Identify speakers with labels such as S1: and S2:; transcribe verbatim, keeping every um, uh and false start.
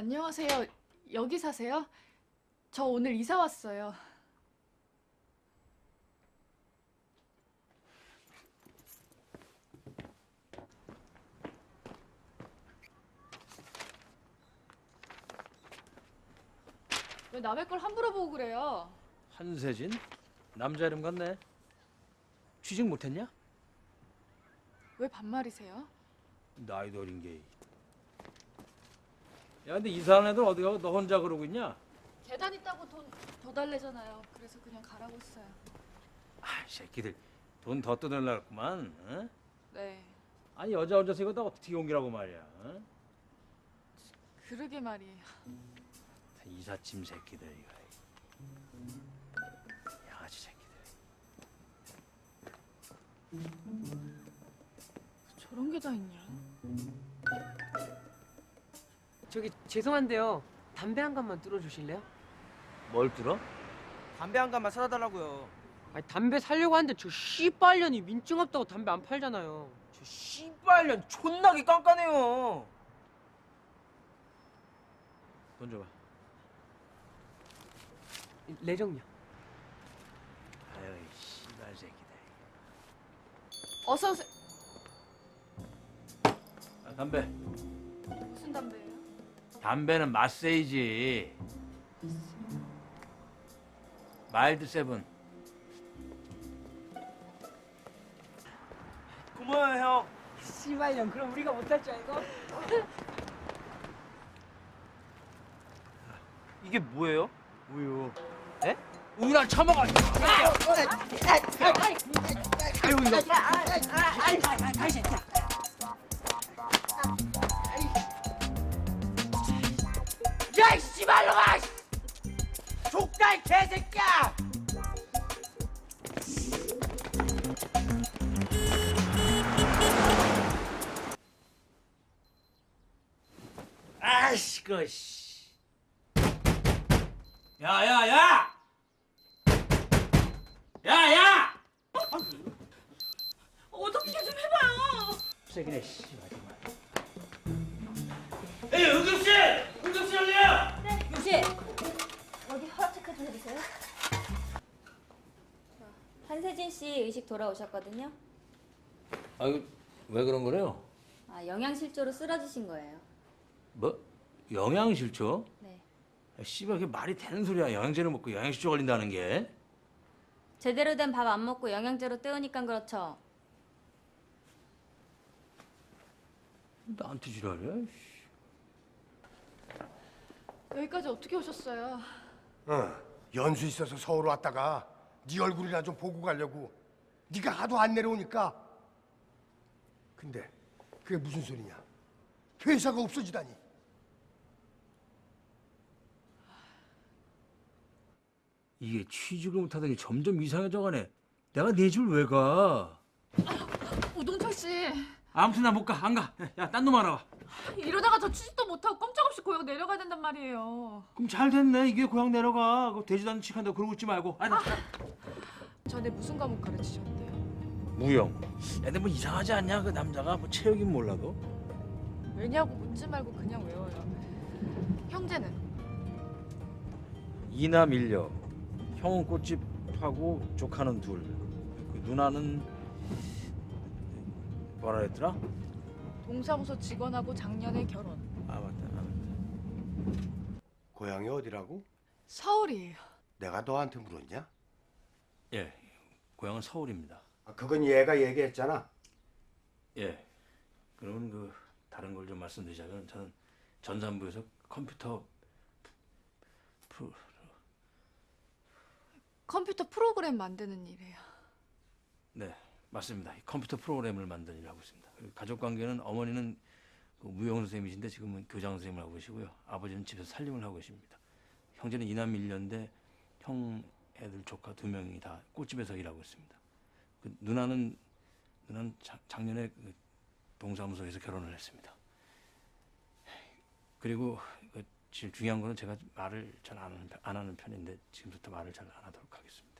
S1: 안녕하세요. 여기 사세요? 저 오늘 이사 왔어요. 왜 남의 걸 함부로 보고 그래요?
S2: 한세진? 남자 이름 같네. 취직 못했냐?
S1: 왜 반말이세요?
S2: 나이도 어린 게. 야, 근데 이사한 애들 어디 가고 너 혼자 그러고 있냐?
S1: 계단 있다고 돈 더 달래잖아요. 그래서 그냥 가라고 했어요.
S2: 아, 새끼들 돈 더 뜯으려고만. 어?
S1: 네,
S2: 아니 여자 혼자서 이거 다 어떻게 옮기라고 말이야. 어?
S1: 그러게 말이에요.
S2: 이삿짐 새끼들 이거. 양아치 새끼들.
S1: 저런 게 다 있냐?
S3: 저기 죄송한데요. 담배 한 갑만 뚫어주실래요?
S2: 뭘 들어?
S4: 담배 한 갑만 사다 달라고요.
S3: 아니 담배 살려고 하는데 저 씨발년이 민증 없다고 담배 안 팔잖아요.
S4: 저 씨발년 존나게 깐깐해요.
S2: 돈 줘봐.
S3: 레정요.
S2: 아유 씨발 새끼들.
S1: 어서 오세요.
S2: 아, 담배.
S1: 무슨 담배예요?
S2: 담배는 마세이지. 마일드 세븐.
S4: 고마워요 형.
S3: 씨발년 그럼 우리가 못할 줄 알고?
S4: 이게 뭐예요?
S2: 우유.
S4: 에?
S2: 우유랑 처먹어. 아유 이거.
S4: 야이 씨발놈아! 족가 이 개새끼야!
S2: 아이씨 그 씨. 야야야! 야야!
S1: 어떻게 좀 해봐요.
S2: 세기네 씨.
S5: 에이, 응급실! 응급실 열려요!
S6: 유씨 여기 허락 체크 좀 해주세요. 자, 한세진 씨 의식 돌아오셨거든요.
S2: 아유 왜 그런 거래요?
S6: 아, 영양실조로 쓰러지신 거예요.
S2: 뭐? 영양실조?
S6: 네.
S2: 야, 씨발 그게 말이 되는 소리야. 영양제를 먹고 영양실조 걸린다는 게.
S6: 제대로 된 밥 안 먹고 영양제로 때우니까 그렇죠.
S2: 나한테 지랄해?
S1: 여기까지 어떻게 오셨어요?
S7: 어, 연수 있어서 서울 왔다가 네 얼굴이나 좀 보고 가려고. 네가 하도 안 내려오니까. 근데 그게 무슨 소리냐? 회사가 없어지다니.
S2: 이게 취직을 못하더니 점점 이상해져가네. 내가 네 줄 왜 가?
S1: 오동철 씨,
S2: 아무튼 나 못 가. 안 가. 야, 딴 놈 알아봐.
S1: 이러다가 저 취직도 못하고 꼼짝없이 고향 내려가야 된단 말이에요.
S2: 그럼 잘 됐네. 이게 고향 내려가. 그 되지도 않는 척한다고 그러고 있지 말고. 아니, 나
S1: 전에 무슨 과목 가르치셨대요?
S2: 무용. 야, 근데 뭐 이상하지 않냐? 그 남자가 뭐 체육인 몰라도.
S1: 왜냐고 묻지 말고 그냥 외워요. 형제는?
S2: 이남 일녀. 형은 꽃집 하고 조카는 둘. 그 누나는 뭐라 했더라?
S1: 동사무소 직원하고 작년에 결혼.
S2: 아 맞다. 아, 맞다.
S7: 고향이 어디라고?
S1: 서울이에요.
S7: 내가 너한테 물었냐?
S2: 예. 고향은 서울입니다.
S7: 아, 그건 얘가 얘기했잖아.
S2: 예. 그러면 그 다른 걸 좀 말씀드리자면 저는 전산부에서 컴퓨터 프로
S1: 컴퓨터 프로그램 만드는 일이에요.
S2: 네 맞습니다. 컴퓨터 프로그램을 만드는 일을 하고 있습니다. 그리고 가족 관계는 어머니는 그 무용 선생님이신데 지금은 교장 선생님을 하고 계시고요. 아버지는 집에서 살림을 하고 계십니다. 형제는 이남 일녀인데 형 애들 조카 두 명이 다 꽃집에서 일하고 있습니다. 그 누나는 누나는 자, 작년에 그 동사무소에서 결혼을 했습니다. 그리고 그 제일 중요한 거는 제가 말을 잘 안 하는, 안 하는 편인데 지금부터 말을 잘 안 하도록 하겠습니다.